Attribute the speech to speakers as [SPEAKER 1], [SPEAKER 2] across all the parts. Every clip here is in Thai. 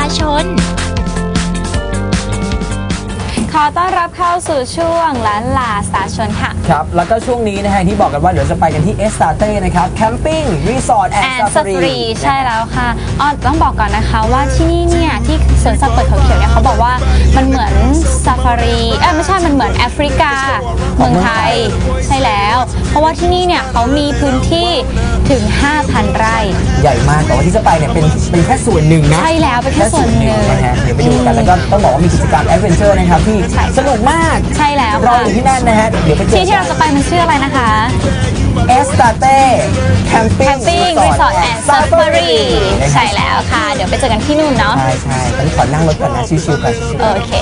[SPEAKER 1] ชน
[SPEAKER 2] ขอต้อนรับเข้าสู่ช่วงล้านลาสาชนค่ะ
[SPEAKER 3] ครับแล้วก็ช่วงนี้นะฮะที่บอกกันว่าเดี๋ยวจะไปกันที่เอสตาเต้นะครับแคมปิ้งรีสอร์ทแอนด์ซาฟารี
[SPEAKER 2] ใช่แล้วค่ะต้องบอกก่อนนะคะว่าที่นี่เนี่ยที่สวนสัตว์เปิดเขาเขียวเนี่ยเขาบอกว่ามันเหมือนซาฟารีไม่ใช่มันเหมือนแอฟริกาเมืองไทยใช่แล้วเพราะว่าที่นี่เนี่ยเขามีพื้นที่ถึง 5,000 ไร่
[SPEAKER 3] ใหญ่มากแต่ว่าที่จะไปเนี่ยเป็นแค่ส่วนหนึ่งนะ
[SPEAKER 2] ใช่แล้วเป็นแค่ส่วนหนึ่ง
[SPEAKER 3] นะฮะเดี๋ยวไปดูกันแล้วก็ต้องบอกว่ามีกิจกรรมแอดเวนเจอร์นะครับที่สนุกมาก
[SPEAKER 2] ใช่แล้ว
[SPEAKER 3] รออยู่ที่นั่นนะฮะเดี๋ยวไปเจอ
[SPEAKER 2] ที่เราจะไปมันชื่ออะไรนะคะ
[SPEAKER 3] เอสตาเต้แคมปิ้ง
[SPEAKER 2] รีสอร์ทแอนด์ซาฟารีใช่แล้วค่ะเดี๋ยวไปเจอกันที่นู่นเนาะ
[SPEAKER 3] ใช่ตอนนี้ขอนั่งรถก่อนนะชิวๆกัน
[SPEAKER 2] โอเค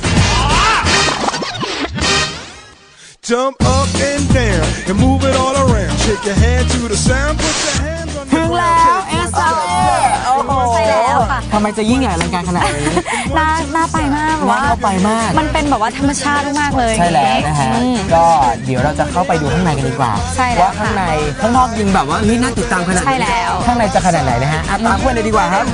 [SPEAKER 4] Jump up and down and move it all around. Shake your hand to the sound. Put your hands on the
[SPEAKER 3] ถึงแล้วเอสตาเต้โอ้โห
[SPEAKER 2] ใช่แล้วค่ะ
[SPEAKER 3] ทำไมจะยิ่งใหญ่อลังการขนาดนี้
[SPEAKER 2] น่าไปมาก
[SPEAKER 3] ว่าน่าไปมาก
[SPEAKER 2] มันเป็นแบบว่าธรรมชาติมากเลย
[SPEAKER 3] ใช่แล้วนะฮะก็เดี๋ยวเราจะเข้าไปดูข้างในกันดีกว่าว่าข้างในข้างนอกยิงแบบว่านี่น่าติดตามขนาด
[SPEAKER 2] ใช่แล้ว
[SPEAKER 3] ข้างในจะขนาดไหนนะฮะตามเพื่อนเลยดีกว่าครับ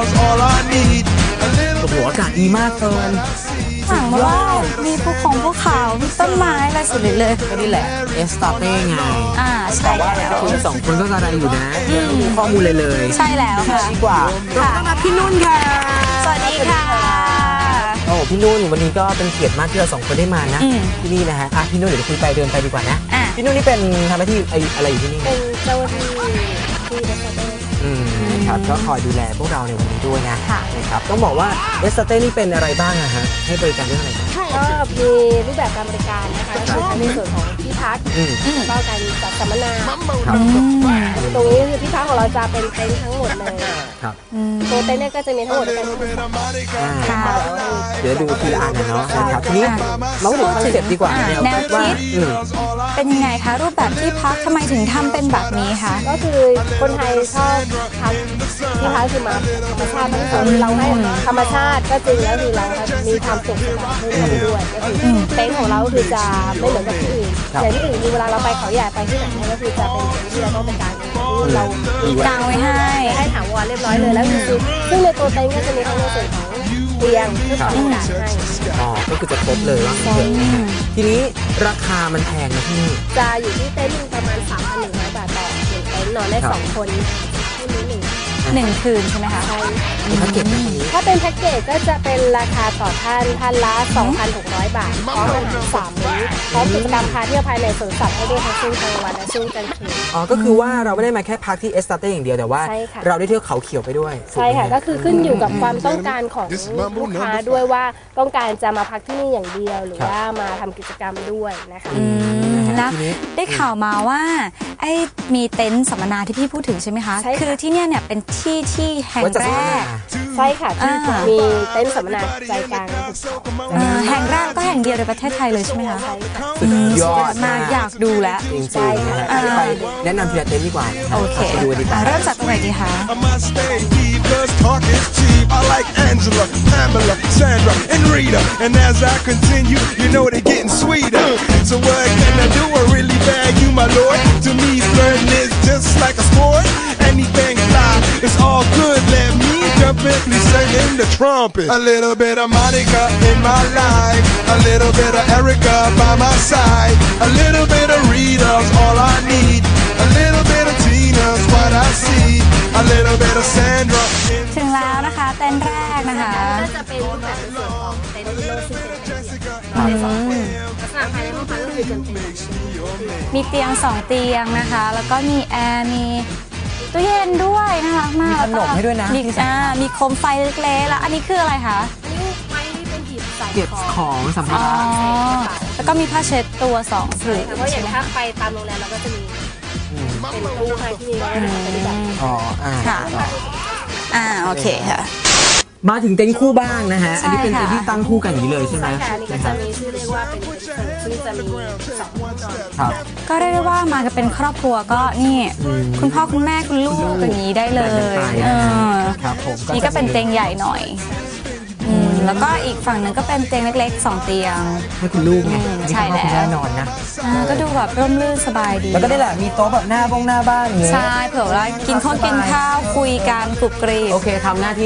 [SPEAKER 3] โอ้โหอากาศดีมากเกิน
[SPEAKER 2] สั่งมาว่ามีภูเขามีต้นไม้อะไรสุดเลย
[SPEAKER 3] ก็นี่แหละเอสตาเต้ไง
[SPEAKER 2] ใช่แล้ว
[SPEAKER 3] คุณสองคนก็กระไรอยู่นะมีข้อมูลเลย
[SPEAKER 2] ใช่แล้วค่ะ
[SPEAKER 3] ดีกว่าต้อนรับพี่นุ่นค่ะ
[SPEAKER 2] สวัสดีค่ะ
[SPEAKER 3] โอ้พี่นุ่นวันนี้ก็เป็นเกียรติมากที่เราสองคนได้มานะที่นี่นะฮะพี่นุ่นเดี๋ยวคุยไปเดินไปดีกว่านะพี่นุ่นนี่เป็นทำหน้าที่อะไรอยู่ที่นี่
[SPEAKER 5] เป็นเจ้าหน้าที่ที่เอสตาเต้
[SPEAKER 3] ครับก็คอยดูแลพวกเราในวันนี้ด้วยนะครับต้องบอกว่าเอสตาเต้นี่เป็นอะไรบ้างอะฮะให้บริการเรื่องอะไร
[SPEAKER 5] ก็มีรูปแบบการบริการนะคะก็คือในส่วนของที่พักแล้วก็การจัดสัมมนาตรงนี้คือที่พักของเราจะเป็นเต็นท์ทั้งหมดเลยตัวเต็นท์เนี่ยก็จะมีทั้งหมดเป็น
[SPEAKER 3] เดี๋ยวดูทีละอันนะเนาะนะครับทีนี้เราดูคอนเซ็ปต์ดีกว่า
[SPEAKER 2] แนวคิดเป็นยังไงคะรูปแบบที่พักทำไมถึงทำเป็นแบบนี้คะ
[SPEAKER 5] ก็คือคนไทยชอบพักที่พักคือมาธรรมชาติทั้งสองเราให้ธรรมชาติก็จริงแล้วคือเรามีความสุขสบายขึ้นด้วยก็คือเต็นท์ของเราคือจะไม่เหมือนกับที่อื่นอย่างที่อื่นเวลาเราไปเขาใหญ่ไปที่ไหนก็คือจะเป็นที่เราต้องเป็นการเรา
[SPEAKER 2] กางไว้ให้
[SPEAKER 5] ถามว่าเรียบร้อยเลยแล้วคือซึ่งในตัวเต็นท์ก็จะมีทั้งในส่วนของเตียงเพื่อความสะดวกให้
[SPEAKER 3] ก็คือจะครบเลยว่าทีนี้ราคามันแพงนะพี่
[SPEAKER 5] จะอยู่ที่เต็นท์ประมาณ 3,100 บาทต่อ1เต็นท์นอนได้2คน
[SPEAKER 2] 1 คืนใช่ไหมคะใช่
[SPEAKER 5] ถ้าเป็นแพ็กเกจก็จะเป็นราคาต่อท่านละ 2,600 บาทพร้อมอาหาร3 มื้อพร้อมกิจกรรมพาเที่ยวภายในสวนสัตว์ให้ด้วยทั้งช่วงกลางวันและช่วงกลางคืน
[SPEAKER 3] ก็คือว่าเราไม่ได้มาแค่พักที่เอสตาเต้อย่างเดียวแต่ว่าเราได้เที่ยวเขาเขียวไปด้วย
[SPEAKER 5] ใช่ค่ะก็คือขึ้นอยู่กับความต้องการของลูกค้าด้วยว่าต้องการจะมาพักที่นี่อย่างเดียวหรือว่ามาทำกิจกรรมด้วยนะคะ
[SPEAKER 2] แล้วได้ข่าวมาว่ามีเต็นท์สัมมนาที่พี่พูดถึงใช่ไหมคะคือที่เนี่ยเป็นที่แห่งแรก
[SPEAKER 5] ใช่ค่ะที่มีเต็นท์สัมมนาใจกลาง
[SPEAKER 2] แห่งแรกก็แห่งเดียวในประเทศไทยเลยใช่ไหมคะ
[SPEAKER 3] สุดยอด
[SPEAKER 2] มากอยากดูแล้ว
[SPEAKER 3] จริงๆไปแนะนำทีละเต็นท์ดีกว่า
[SPEAKER 2] โอเค
[SPEAKER 3] ดูดีกว่า
[SPEAKER 2] เริ่มจากตรงไหนดีคะ
[SPEAKER 4] I like Angela, Pamela, Sandra, and Rita. And as I continue, you know they're getting sweeter. So what can I do? I really bag you, my lord. To me, flirting is just like a sport. Anything fly, it's all good. Let me jump in, please sing the trumpet. A little bit of Monica in my life. A little bit of Erica by my side. A little bit of Rita's all I need. A little bit of Tina's what I see. A little bit of Sandra.
[SPEAKER 2] ถึงแล้วนะคะเต็นท์แรกนะคะ
[SPEAKER 5] ก็จะเป็นรูปแบบในส่วนของเต็นท์ที่เราซึ่งเป็นเต็นท์ใน2 คนลักษณะภายในห้องพักก็คือจะ
[SPEAKER 2] มีเตียง2 เตียงนะคะแล้วก็มีแอร์มีตู้เย็นด้วยนะคะมาก
[SPEAKER 3] มีขนมให้ด้วยนะ
[SPEAKER 2] มีโคมไฟเล็กๆแล้วอันนี้คืออะไรคะ
[SPEAKER 5] ไม้ที่เป็นหีบใส่
[SPEAKER 3] เก็บของสัมภาระ
[SPEAKER 2] แล้วก็มีผ้าเช็ดตัว2 ผืน
[SPEAKER 5] เพราะอย่างถ้าไปตามโรงแรมเราก็จะมีเป็นตู้ให้ที่นี่เราก็จะเป็นแบบ
[SPEAKER 2] ค่ะโอเคค่ะ
[SPEAKER 3] มาถึงเต็นท์คู่บ้างนะฮะอันนี้เป็นเต็นท์ที่ตั้งคู่กันอย่างนี้เลยใช่ไหม
[SPEAKER 5] ใช่ค่ะนี่ก็จะมีชื่อเรียกว่าเป็นซึ่งจะมี2 ห้องนอน
[SPEAKER 3] ครับ
[SPEAKER 2] ก็เรียกได้ว่ามากันเป็นครอบครัวก็นี่คุณพ่อคุณแม่คุณลูกอย่างนี้ได้เลย
[SPEAKER 3] ครับผม
[SPEAKER 2] นี่ก็เป็นเตียงใหญ่หน่อยแล้วก็อีกฝั่งหนึ่งก็เป็นเตียงเล็กๆ2 เตียง
[SPEAKER 3] ให้คุณลูกไง
[SPEAKER 2] ใช่แล้ว
[SPEAKER 3] แน่นอนนะ
[SPEAKER 2] ก็ดูแบบร่มรื่นสบายดี
[SPEAKER 3] แล้วก็ได้แหละมีโต๊ะแบบหน้าบ้านอย่างเงี้ย
[SPEAKER 2] ใช่เผื่อว่ากินข้าวคุยกันกรุบกริบ
[SPEAKER 3] โอเคทำหน้าที่เลย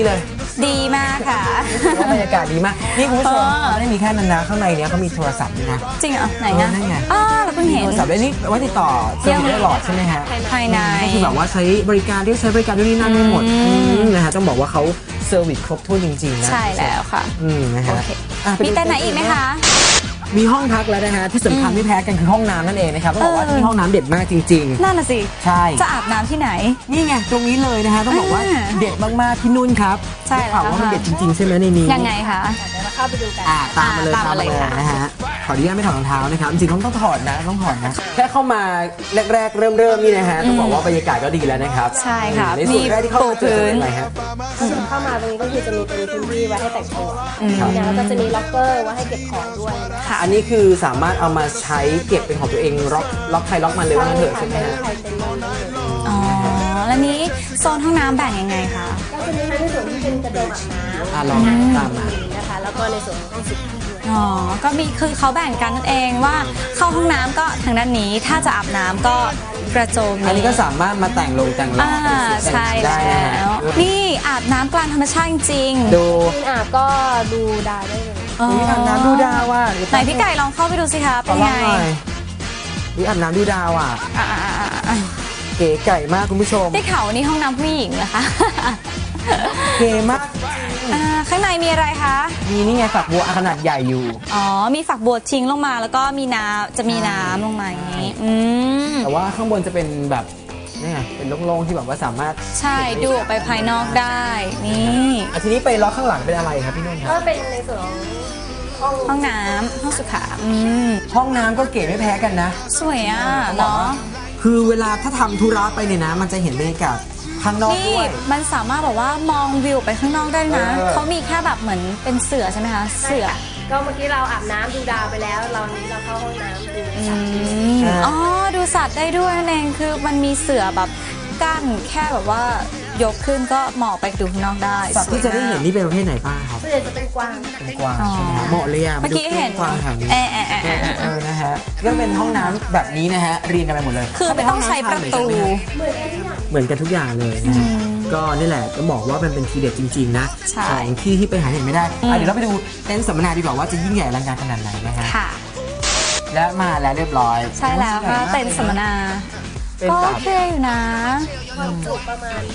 [SPEAKER 2] ดีมากค่ะ
[SPEAKER 3] บรรยากาศดีมากนี่คุณผู้ชมไม่ได้มีแค่นั้นนะข้างในเนี้ยเขามีโทรศัพท์ด้วยนะ
[SPEAKER 2] จริงเหรอไหนนะ
[SPEAKER 3] นั่นไง
[SPEAKER 2] เราเพิ่งเห็น
[SPEAKER 3] โทรศัพท์ได้นี่ไว้ติดต่อเชื่อมได้หลอดใช่ไหมฮะ
[SPEAKER 2] ภายใน
[SPEAKER 3] ก็คือแบบว่าใช้บริการด้วยใช้บริการด้วยนี่นั่นได้หมดนะฮะต้องบอกว่าเขาเซอร์วิสครบถ้วนจริงๆนะ
[SPEAKER 2] ใช่แล้วค่ะ
[SPEAKER 3] นะฮะ
[SPEAKER 2] มีแต่ไหนอีกไหมคะ
[SPEAKER 3] มีห้องพักแล้วนะฮะที่สำคัญไม่แพ้กันคือห้องน้ำนั่นเองนะครับต้องบอกว่าที่ห้องน้ำเด็ดมากจริงๆ
[SPEAKER 2] นั่นน่ะสิ
[SPEAKER 3] ใช่
[SPEAKER 2] จะอาบน้ำที่ไหน
[SPEAKER 3] นี่ไงตรงนี้เลยนะฮะต้องบอกว่าเด็ดมากๆพี่นุ่นครับ
[SPEAKER 2] ใช่แล้ว
[SPEAKER 3] ว่ามันเด็ดจริงๆใช่ไหมในนี้
[SPEAKER 2] ยังไงคะ
[SPEAKER 5] เดี๋ยวเราเข้าไปดูกัน
[SPEAKER 3] ตามมาเลยนะฮะขออนุญาตไม่ถอดรองเท้านะครับจริงๆต้องถอดนะแค่เข้ามาแรกๆเริ่มนี่นะฮะต้องบอกว่าบรรยากาศก็ดีแล้วนะครับ
[SPEAKER 2] ใช่ค่ะ
[SPEAKER 3] ในส่วนแรกที่เข้ามาเจออะไรฮะ
[SPEAKER 5] เข้ามาตรงนี้ก็คือจะมีเป็นพื้นที่ไว้ให้แต่งตัวแล้วก็จะมีล็อกเกอร์ไว้ให้เก็บของด้วย
[SPEAKER 3] ค่ะอันนี้คือสามารถเอามาใช้เก็บเป็นของตัวเองล็อกใครล็อกมันเลยว่าเถอะใช่ไหมฮะ
[SPEAKER 2] อ๋อแล้วนี้โซนห้องน้ำแบ่งยังไงคะ
[SPEAKER 5] ก็จะมีทั้งในส่วนที่เป็นกระโดดอาบน้ำ
[SPEAKER 3] ลองตามมา
[SPEAKER 5] นะคะแล้วก็ในส่วนของห้องสุขา
[SPEAKER 2] ก็มีคือเขาแบ่งกันนั่นเองว่าเข้าห้องน้ำก็ทางด้านนี้ถ้าจะอาบน้ำก็กระโจม
[SPEAKER 3] อันนี้ก็สามารถมาแต่งลงแต่งล่าง
[SPEAKER 2] ใช่แล้วนี่อาบน้ำกลางธรรมชาติจริง
[SPEAKER 3] ดู
[SPEAKER 5] อาบก็ดูดาวได้เลย
[SPEAKER 3] นี่อาบน้ำดูดาวว่า
[SPEAKER 2] ไหนพี่ไก่ลองเข้าไปดูสิคะเป็นไง
[SPEAKER 3] นี่อาบน้ำดูดาวเก๋ไก่มากคุณผู้ชม
[SPEAKER 2] ได้ข่าวนี่ห้องน้ำผู้หญิงเหรอคะ
[SPEAKER 3] เก๋มาก
[SPEAKER 2] ข้างในมีอะไรคะ
[SPEAKER 3] มีนี่ไงฝักบัวขนาดใหญ่อยู่
[SPEAKER 2] มีฝักบัวทิ้งลงมาแล้วก็มีน้ำลงมาอย่างนี้
[SPEAKER 3] แต่ว่าข้างบนจะเป็นแบบนี่ไงเป็นโล่งๆที่แบบว่าสามารถ
[SPEAKER 2] ใช่ดูออกไปภายนอกได้นี่
[SPEAKER 3] ทีนี้ไปล็อกข้างหลังเป็นอะไรครับพี่นุ่นครับ
[SPEAKER 5] ก็เป็นในส่วน
[SPEAKER 2] ห้องน้ำห้องสุขา
[SPEAKER 3] ห้องน้ำก็เก๋ไม่แพ้กันนะ
[SPEAKER 2] สวยเนาะ
[SPEAKER 3] คือเวลาถ้าทำธุระไปเนี่ยนะมันจะเห็นบรรยากาศข้างนอกด้วย
[SPEAKER 2] มันสามารถแบบว่ามองวิวไปข้างนอกได้นะเขามีแค่แบบเหมือนเป็นเสือใช่ไหมคะเสือ
[SPEAKER 5] ก็เมื่อกี้เราอาบน้ำดูดาวไปแล้วเราเข้าห้องน้ำดูสัตว์
[SPEAKER 2] ดูสัตว์ได้ด้วยนั่นเองคือมันมีเสือแบบกั้นแค่แบบว่ายกขึ้นก็มองไปดูข้างนอกได้
[SPEAKER 3] สัตว์ที่จะได้เห็นนี่เป็นประเภทไหนบ้างครับ
[SPEAKER 5] ส่วนใหญ่จะเป็นกวาง
[SPEAKER 3] เหมาะเลย
[SPEAKER 2] เมื่อกี้เห็น
[SPEAKER 3] กวางแถวนี้นะฮะก็เป็นห้องน้ำแบบนี้นะฮะเรียงกันไปหมดเลย
[SPEAKER 2] คือไม่ต้องใช้ประตู
[SPEAKER 3] เหมือนกันทุกอย่างเลยนะก็นี่แหละก็บอกว่ามันเป็นทีเด็ดจริงๆนะของที่ไปหาเห็นไม่ได้เดี๋ยวเราไปดูเต็นท์สัมมนาดีกว่าว่าจะยิ่งใหญ่อลังการขนาดไหนนะฮะและมาแล้วเรียบร้อย
[SPEAKER 2] ใช่แล้วค่ะเต็นท์สัมมนาก็โอเคอยู่นะ
[SPEAKER 5] ความจุประมาณ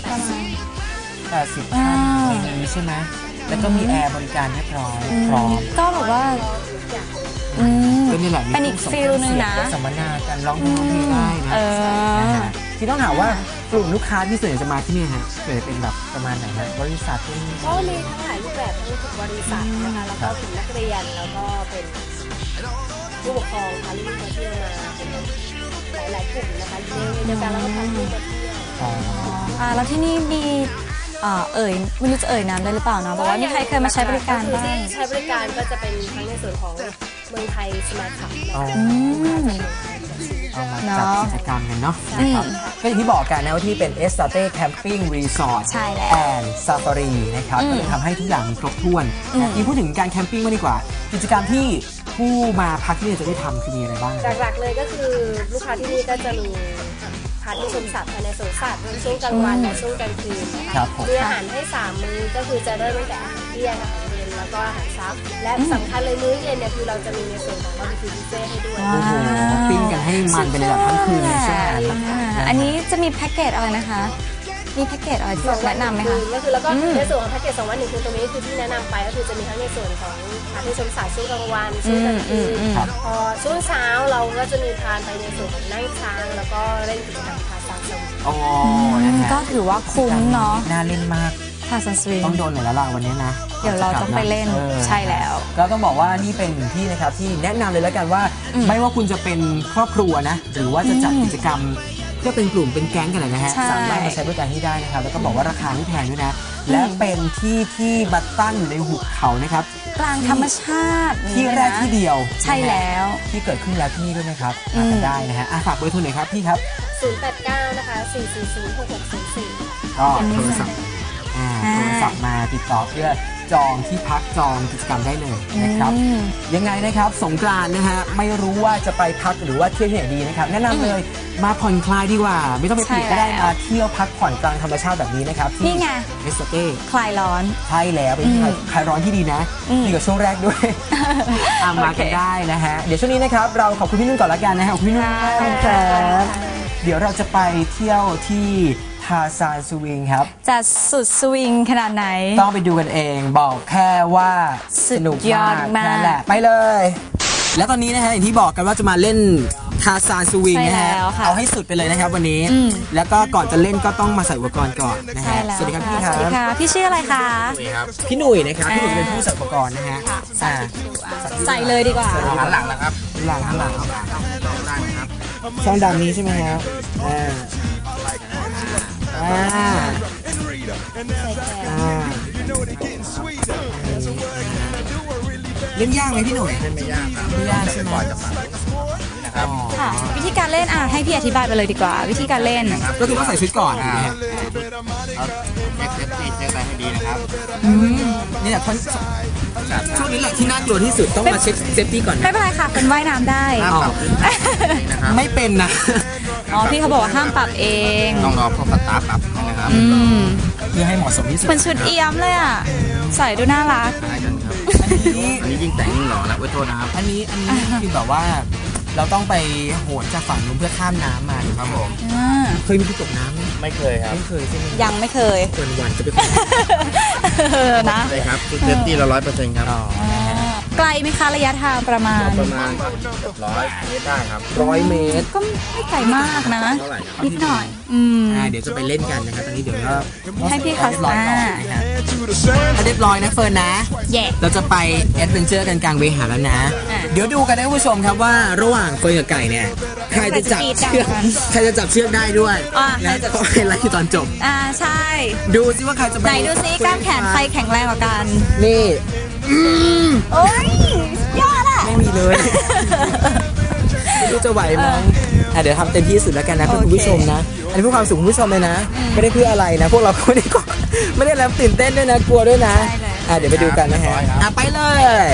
[SPEAKER 3] 80ท่านนี้ใช่ไหมแล้วก็มีแอร์บริการเรียบร้อยพร้อม
[SPEAKER 2] ก็แบบว่า
[SPEAKER 3] ก็นี่แหละ
[SPEAKER 2] เป็นอีกฟิลนึงนะ
[SPEAKER 3] สัมมนาการร้องเพลงได้นะที่ต้องถามว่ากลุ่มลูกค้าที่ส่วนใหญ่จะมาที่นี่ฮะส่วนใหญ่เป็นแบบประมาณไหนฮะบริษัทที่
[SPEAKER 5] ก็มีทั้งหลายรูปแบบทั้งบริษัทนะคะแล้วก็ถึงนักเรียนแล้วก็เป็นผู้ปกครองพาลูกมาเที่ยวมาหลายกลุ่มนะคะเดียวกันแล้วก็พาลูกมาเที่ยว
[SPEAKER 2] แล้วที่นี่มีไม่รู้จะนามได้หรือเปล่านะบอกว่ามีใครเคยมาใช้บริการบ้าง
[SPEAKER 5] ที่ใช้บริการก็จะเป็นทั้งในส่วนของเมืองไทยสมาร์ทคับ
[SPEAKER 3] จัดกิจกรรมกันเนาะนะครับก็อย่างที่บอกกันนะว่าที่เป็น Estate Camping Resort and Safari นะครับก็จะทำให้ทุกอย่างมีครบถ้วนที่พูดถึงการแคมปิ้งมาดีกว่ากิจกรรมที่ผู้มาพักที่นี่จะได้ทำคือมีอะไรบ้าง
[SPEAKER 5] หลักๆเลยก็คือลูกค้าที่นี่ก็จะมีพาที่ชมสัตว์ภายในสวนสัตว์ช่วงกลางวันและช่วงกลางคืนนะคะมีอาหารให้3มื้อก็คือจะเริ่มตั้งแต่อาหารเที่ยงอาหารเย็นแล้วก็อาหารเช้าและสำคัญเลยมื้อเย็นเนี่ยคือเราจะมีในส่วนของบาร์บีคิวบุฟเฟ่ให้ด้วย
[SPEAKER 3] ปิ้งกันให้มันเป็นแบบทั้งคืนใช่ไหม
[SPEAKER 2] อันนี้จะมีแพ็กเกจอะไรนะคะมีแพ็กเกจอะไรที่แนะนำไหมคะ
[SPEAKER 5] ก็คือแล้วก็ในส่วนของแพ็กเกจ2 วัน 1 คืนตรงนี้คือที่แนะนำไปก็คือจะมีทั้งในส่วนของพาที่ชมสัตว์ช่วงกลางวันช่วงกลางคืนพอช่วงเช้าเราก็จะมีพาไปในส่วนของนั่งช้างแล้วก็เล่นกิจกรรมพาสัตว์
[SPEAKER 2] ก็ถือว่าคุ้มเนาะ
[SPEAKER 3] น่าเล่นมาก
[SPEAKER 2] พาสัตว์
[SPEAKER 3] ต้องโดนหน่อยแล้วล่ะวันนี้นะ
[SPEAKER 2] เดี๋ยวเราต้องไปเล่นใช่แล้ว
[SPEAKER 3] ก็ต้องบอกว่านี่เป็นที่นะครับที่แนะนำเลยแล้วกันว่าไม่ว่าคุณจะเป็นครอบครัวนะหรือว่าจะจัดกิจกรรมก็เป็นกลุ่มเป็นแก๊งกันเลยนะฮะสามารถมาใช้บริการที่ได้นะครับแล้วก็บอกว่าราคาไม่แพงด้วยนะและเป็นที่บัตตันอยู่ในหุบเขานะครับ
[SPEAKER 2] กลางธรรมชาติ
[SPEAKER 3] ที่แรกที่เดียว
[SPEAKER 2] ใช่แล้ว
[SPEAKER 3] ที่เกิดขึ้นแล้วที่นี่ด้วยนะครับมากันได้นะฮะฝากเบอร์โทรหน่อยครับพี่ครับ
[SPEAKER 5] 089นะคะ4406644
[SPEAKER 3] ก็โทรศัพท์มาติดติดต่อเพื่อจองที่พักจองกิจกรรมได้เลยนะครับยังไงนะครับสงกรานต์นะฮะไม่รู้ว่าจะไปพักหรือว่าเที่ยวที่ไหนดีนะครับแนะนำเลยมาผ่อนคลายดีกว่าไม่ต้องไปปิดก็ได้มาเที่ยวพักผ่อนกลางธรรมชาติแบบนี้นะครับที่
[SPEAKER 2] นี่ไง
[SPEAKER 3] เอสเต้
[SPEAKER 2] คลายร้อน
[SPEAKER 3] ใช่แล้วเป็นที่คลายร้อนที่ดีนะดีกว่าช่วงแรกด้วยมากันได้นะฮะเดี๋ยวช่วงนี้นะครับเราขอบคุณพี่นุ่นก่อนละกันนะฮะขอบคุณพี่นุ่นมากครับเดี๋ยวเราจะไปเที่ยวที่ทาซานสวิงครับ
[SPEAKER 2] จะสุดสวิงขนาดไหน
[SPEAKER 3] ต้องไปดูกันเองบอกแค่ว่าสนุกมากนั่นแหละไปเลยแล้วตอนนี้นะฮะอย่างที่บอกกันว่าจะมาเล่นทาซานสวิงนะฮะเอาให้สุดไปเลยนะครับวันนี้แล้วก็ก่อนจะเล่นก็ต้องมาใส่อุปกรณ์ก่อนนะฮะสวัสดีครับพี่ครับ
[SPEAKER 2] สวัสดีค่ะพี่ชื่ออะไรคะ
[SPEAKER 3] พี่หนุ่ยนะครับพี่หนุ่ยเป็นผู้ใส่อุปกรณ์นะฮะ
[SPEAKER 2] ใส่เลยดีกว่า
[SPEAKER 3] หันหลังนะครับหลังช่องดำนี้ใช่ไหมครับเล่นยากไหมพี่หนุ่ย
[SPEAKER 1] ไม่ยากครับ
[SPEAKER 3] ไม่ยากใช่ไหม
[SPEAKER 1] นะครับ
[SPEAKER 2] ค่ะวิธีการเล่นให้พี่อธิบายไปเลยดีกว่าวิธีการเล่น
[SPEAKER 3] ก็คือว่าใส่ชุดก่อน
[SPEAKER 1] เอาเช็คเซฟตี้เช็คอะไรให้ดีนะครับ
[SPEAKER 3] นี่แหละช่วงนี้แหละที่น่ากลัวที่สุดต้องมาเช็คเซฟตี้ก่อน
[SPEAKER 2] ไม่เป็นไรค่ะเป็นว่ายน้ำได้
[SPEAKER 3] ไม่เป็นนะ
[SPEAKER 2] พี่เขาบอกว่าห้ามปรับเอง
[SPEAKER 1] ต้องรอพวกสตาร์ปรับนะครับ
[SPEAKER 3] เพื่อให้เหมาะสมที่สุด
[SPEAKER 2] เป็นชุดเอี่ยมเลยอ่ะใส่ดูน่ารัก
[SPEAKER 1] อันนี้ยิ่งแต่งยิ่งหล่อแล้วโทษนะครับ
[SPEAKER 3] อันนี้คือแบบว่าเราต้องไปโหนจากฝั่งนู้นเพื่อข้ามน้ำมา
[SPEAKER 1] ครับผม
[SPEAKER 3] เคยมีที่ตกน้ำ
[SPEAKER 1] ไม่เคยครับ
[SPEAKER 3] ไม่เคยใช่ไหม
[SPEAKER 2] ยังไม่เคย
[SPEAKER 3] วันจะไป
[SPEAKER 1] นะใช่ครับชุดเซฟตี้เรา100%ครับ
[SPEAKER 2] ไกลไหมคะระยะทางประมาณ
[SPEAKER 1] 100 เมตรได้ครับ
[SPEAKER 3] 100 เมตร
[SPEAKER 2] ก็ไม่ไกลมากนะนิดหน่อย
[SPEAKER 3] เดี๋ยวจะไปเล่นกันนะครับตอนนี้เดี๋ยวก็
[SPEAKER 2] ให้พี่เขา
[SPEAKER 3] ถ้าเรียบร้อยนะเฟิร์นนะเราจะไปแอดเวนเจอร์กันกลางเวหาแล้วนะเดี๋ยวดูกันนะผู้ชมครับว่าระหว่างเฟิร์นกับไก่เนี่ยใครจะจับเชือกได้ด้วยและก็ให้ไล่ตอนจบ
[SPEAKER 2] ใช่
[SPEAKER 3] ดูซิว่าใครจะ
[SPEAKER 2] ไหนดูซิกล้ามแขนใครแข็งแรงกว่ากัน
[SPEAKER 3] นี่
[SPEAKER 2] โอ้ยยอดอะ
[SPEAKER 3] ไม่มีเลยไม่รู้จะไหวไหมเดี๋ยวทำเต็มที่สุดแล้วกันนะคุณผู้ชมนะอันนี้เพื่อความสุขคุณผู้ชมเลยนะไม่ได้เพื่ออะไรนะพวกเราไม่ได้แล้วตื่นเต้นด้วยนะกลัวด้วยนะเดี๋ยวไปดูกันนะฮะไปเลย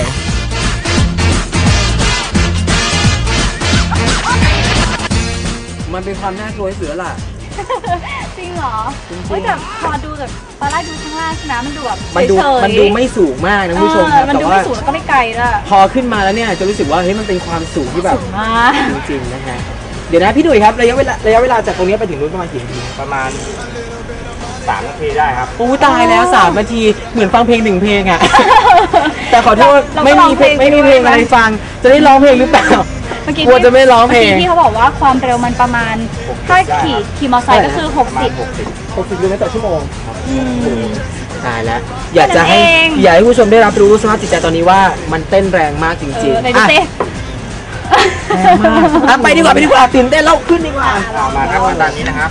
[SPEAKER 3] มันเป็นความน่ากลัวที่สุดแล้วล่ะ
[SPEAKER 2] จริงเหรอแต่พอดูแบบตอนแรกดูข้างล่างใช่ไหมมันดูแบบ
[SPEAKER 3] มันดูไม่สูงมากนะผู้ชมครับ
[SPEAKER 2] แต่ว่าสูงแล้วก็ไม่ไกลด้วย
[SPEAKER 3] พอขึ้นมาแล้วเนี่ยจะรู้สึกว่าเฮ้ยมันเป็นความสูงที่แบบ
[SPEAKER 2] สูงมาก
[SPEAKER 3] จริงๆนะฮะเดี๋ยวนะพี่ดุยครับระยะเวลาจากตรงนี้ไปถึงนู้นประมาณกี่นาที
[SPEAKER 1] ประมาณ3 นาทีได้ครับ
[SPEAKER 3] โอ้ตายแล้ว3 นาทีเหมือนฟังเพลง1 เพลงอ่ะแต่ขอโทษไม่มีเพลงอะไรฟังจะได้ร้องเพลงหรือเปล่ากลัวจะไม่ร้องเพลง
[SPEAKER 2] ที่เขาบอกว่าความเร็วมันประมาณถ้าขี่มอเตอร์ไซค์ก็คือ60
[SPEAKER 3] กิโลเมตรต่อชั่วโมงตายแล้วอยากให้ผู้ชมได้รับรู้สภาพจิตใจตอนนี้ว่ามันเต้นแรงมากจริงๆไปดีกว่าตื่นเต้นแล้วขึ้นดีกว่า
[SPEAKER 1] มาครับตอนนี้นะครับ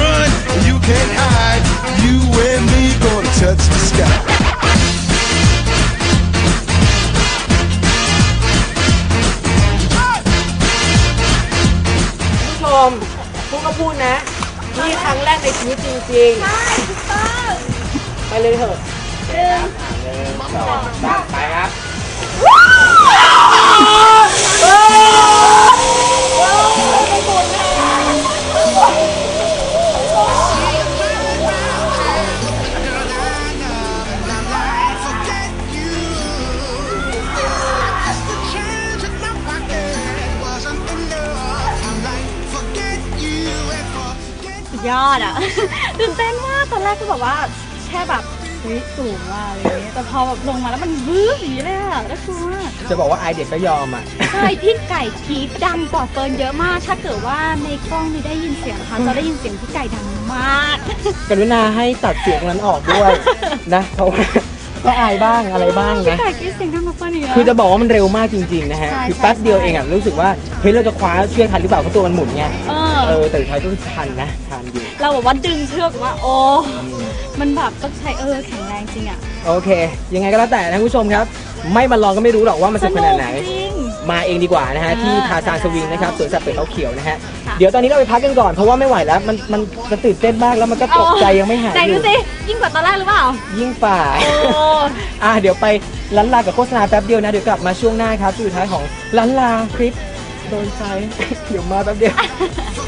[SPEAKER 3] พูดก็พูดนะนี่ครั้งแรกในชีวิตจริงๆใช่ถูกต้องไปเลยเถอะ
[SPEAKER 1] 1 2 3ไปครับ
[SPEAKER 2] ยอดอ่ะตื่นเต้นมากตอนแรกก็แบบว่าแค่แบบสูงว่าอะไรอย่างเงี้ยแต่พอแบบลงมาแล้วมันวื้ออย่างนี้เลยอ่ะน่ากลัว
[SPEAKER 3] จะบอกว่าไอเด็กก็ยอมอ่ะ
[SPEAKER 2] ใช่พี่ไก่ทีดังกว่าเฟิร์นเยอะมากถ้าเกิดว่าในกล้องไม่ได้ยินเสียงค่ะจะได้ยินเสียงพี่ไก่ดังมาก
[SPEAKER 3] กรุณาให้ตัดเสียงนั้นออกด้วยนะเพราะว่าก็อายบ้างอะไรบ้างนะ
[SPEAKER 2] พี่ไก่คิดเสียงดังกว่าเฟิร์นอีก
[SPEAKER 3] คือจะบอกว่ามันเร็วมากจริงๆนะฮะคือแป๊บเดียวเองอ่ะรู้สึกว่าเฮ้ยเราจะคว้าเชือกทันหรือเปล่าเพราะตัวมันหมุนไงแต่ท้ายก็ทันนะทันอยู่
[SPEAKER 2] เราบอกว่าดึงเชือกว่าโอ้มันแบบต้องใช้แข็งแรงจริงอ่ะ
[SPEAKER 3] โอเคยังไงก็แล้วแต่นะผู้ชมครับไม่มาลองก็ไม่รู้หรอกว่ามันสนุกขนาดไหนมาเองดีกว่านะฮะที่ทาซานสวิงนะครับสวนสัตว์เปิดเขาเขียวนะฮะเดี๋ยวตอนนี้เราไปพักกันก่อนเพราะว่าไม่ไหวแล้วมันตื่นเต้นมากแล้วมันก็ตกใจยังไม่หาย
[SPEAKER 2] ไหน
[SPEAKER 3] อ
[SPEAKER 2] ดู
[SPEAKER 3] ยู่
[SPEAKER 2] สิยิ่งกว่าตอนแรกหรือเปล่า
[SPEAKER 3] ยิ่งฝ่า เดี๋ยวไปลันลากับโฆษณาแป๊บเดียวนะเดี๋ยวกลับมาช่วงหน้าครับช่วงสุดท้ายของลันลาคลิปโดนใจ เดี๋ยวมาแป๊บเดียว